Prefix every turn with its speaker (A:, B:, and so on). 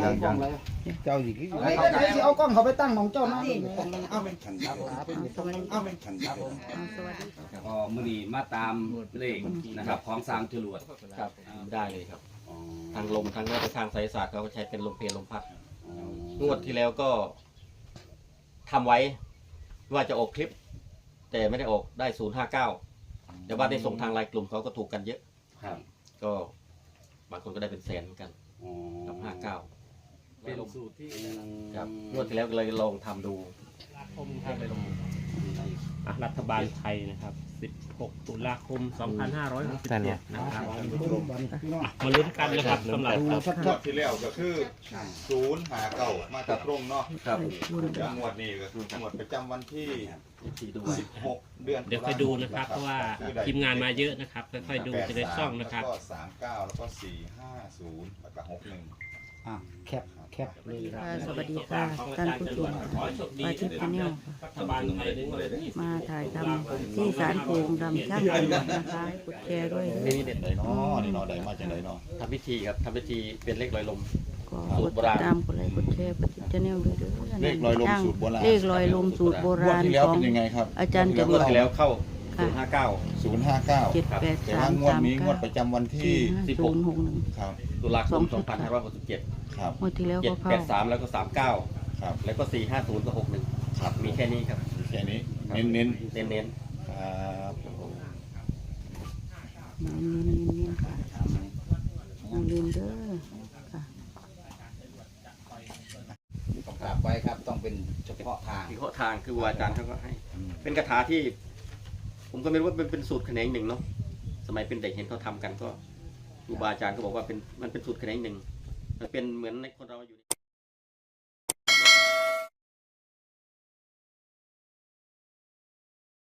A: ยังเจ้าสิ
B: เอากล้องเขาไปตั้งของเจ้านะเอา
C: ก็มือนี้มาตามเลขนะครับของสามจรวด
D: ครับได้เลยครับทางลมทางทางไสยศาสตร์เขาก็ใช้เป็นลมเพลลมพัดงวดที่แล้วก็ทำไว้ว่าจะออกคลิป แต่ไม่ได้ออกได้059แต่ว่าได้ส่งทางไลน์กลุ่มเขาก็ถูกกันเยอะ
C: ครับ
D: ก็บางคนก็ได้เป็นแสนเหมือนกันกับ59
C: เป็นสูตรที่
D: ครับงวดที่แล้วก็เลยลองทำดู
E: รัฐบาลไทยนะครับ 16 ตุลาคม 2567 นะครับมาลุ้นกันนะครับสำหรับ
A: งวดที่แล้วก็คือ059มาจากตรงเนาะ
D: ครับ
A: งวดนี้ก็คืองวดประจำวันที่
D: ที่ดู
A: 16 เดือน
E: เดี๋ยวค่อยดูนะครับ เพราะว่าทีมงานมาเยอะนะครับค่อยๆดูจะได้ซ่องนะครับ
A: แล้วก็39แล้วก็450แล้วก็61
B: แคปเลย
F: สวัสดีค่ะท่านผู้ชมอาทิตย์ชาแนล
E: รัฐบาลไทยในวันที่
F: มาถ่ายทำที่ศาลโพงดำช่างจังหวัดนะคะให้กดแชร์ด้วยนะ
D: นี่เด็ดเลย
A: เนาะนี่เนาะได้มาจากไหนเนาะ
D: ทำพิธีครับทำพิธีเป็นเลขลอยลม
F: ก็กดติดตามกดไลค์กดแชร์กดติดชาแนลด้วยเด้อ
A: เลขลอยลมสูตรโบราณ
F: เลขลอยลมสูตรโบ
A: งว
F: รา
A: ด
F: ณ
A: ที่แล้ว
F: ของ
A: เป็นยังไงครับ
F: อาจารย์จ
D: งวดที่แล้วเข้า 059
A: 059
F: 78339
A: แต่ว่างวดนี้งวดประจำวันที่
F: 061
A: ครับ
D: ตุลาคม 2567
A: ครับ
F: งวดที่แล้วก็เข้า
D: 783แล้วก็39
A: ครับ
D: แล้วก็450กับ61ครับมีแค่นี้ครับ
A: แค่นี้เน้น
D: เน้น
A: ๆครับ
F: เน้นๆค่ะอย่าลืมเด้อค่ะ
C: ต้องกราบไว้ครับต้องเป็นเฉพาะทาง
D: ๆที่ข้อทางคือครูอาจารย์เขาก็ให้ เป็นคาถาที่ ผมก็ไม่รู้ว่าเป็นสูตรแขนงหนึ่งเนาะสมัยเป็นเด็กเห็นเขาทำกันก็ครูบาอาจารย์ก็บอกว่ามันเป็นสูตรแขนงหนึ่งมันเป็นเหมือนในคนเราอยู่